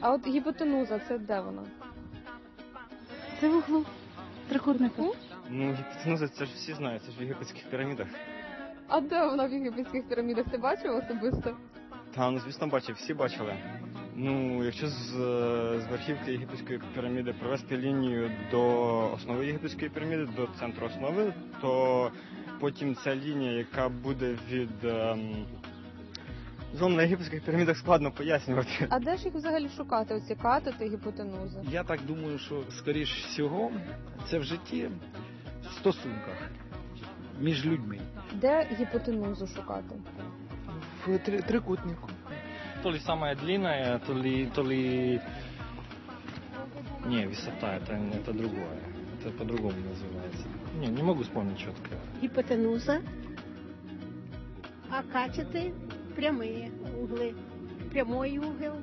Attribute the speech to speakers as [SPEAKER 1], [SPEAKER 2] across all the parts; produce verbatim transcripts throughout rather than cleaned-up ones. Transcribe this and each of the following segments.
[SPEAKER 1] А от гіпотенуза, це де вона?
[SPEAKER 2] Це в углу трикутника.
[SPEAKER 3] Ну, гіпотенуза, це ж всі знають, це ж в єгипетських пірамідах.
[SPEAKER 1] А де вона в єгипетських пірамідах? Ти бачив особисто?
[SPEAKER 3] Та, ну, звісно, бачив, всі бачили. Ну, якщо з, з верхівки єгипетської піраміди провести лінію до основи єгипетської піраміди, до центру основи, то потім ця лінія, яка буде від... Ем... Зон на єгипетських пірамідах складно пояснювати.
[SPEAKER 1] А де ж їх взагалі шукати, оці катети, гіпотенузи?
[SPEAKER 4] Я так думаю, що, скоріш всього, це в житті, в стосунках між людьми.
[SPEAKER 1] Де гіпотенузу шукати?
[SPEAKER 5] В три- трикутнику.
[SPEAKER 6] То ли самая длинная, то ли, то ли... Не, высота, это, это другое. Это по-другому называется. Не, не могу вспомнить четко.
[SPEAKER 2] Гіпотенуза, а катети прямі угли. Прямой угол.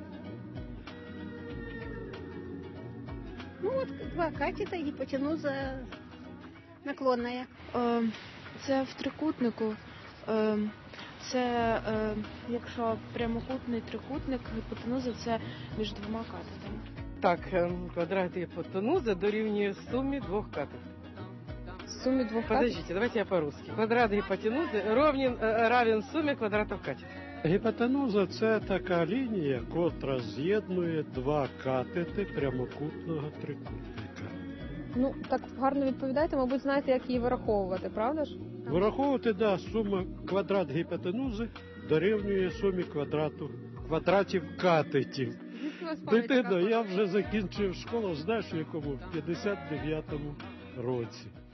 [SPEAKER 2] Ну от два катета, гіпотенуза наклонная.
[SPEAKER 7] Е, Це в трикутнику. Е, Це, е, якщо прямокутний трикутник, гіпотенуза це між двома катетами.
[SPEAKER 5] Так, ем, квадрат гіпотенузи дорівнює сумі двох катетів.
[SPEAKER 1] В сумі двох катетів?
[SPEAKER 5] Подождите, давайте я по-русски. Квадрат гіпотенузи ровен, е, равен сумі квадратів катетів.
[SPEAKER 8] Гіпотенуза – це така лінія, котра з'єднує два катети прямокутного трикутника.
[SPEAKER 1] Ну, так гарно відповідаєте, мабуть, знаєте, як її вираховувати, правда ж?
[SPEAKER 8] Вираховувати, да, сума квадрат гіпотенузи дорівнює сумі квадрату, квадратів катетів. Дитино, я вже закінчив школу, знаєш, в якому? В п'ятдесят дев'ятому році.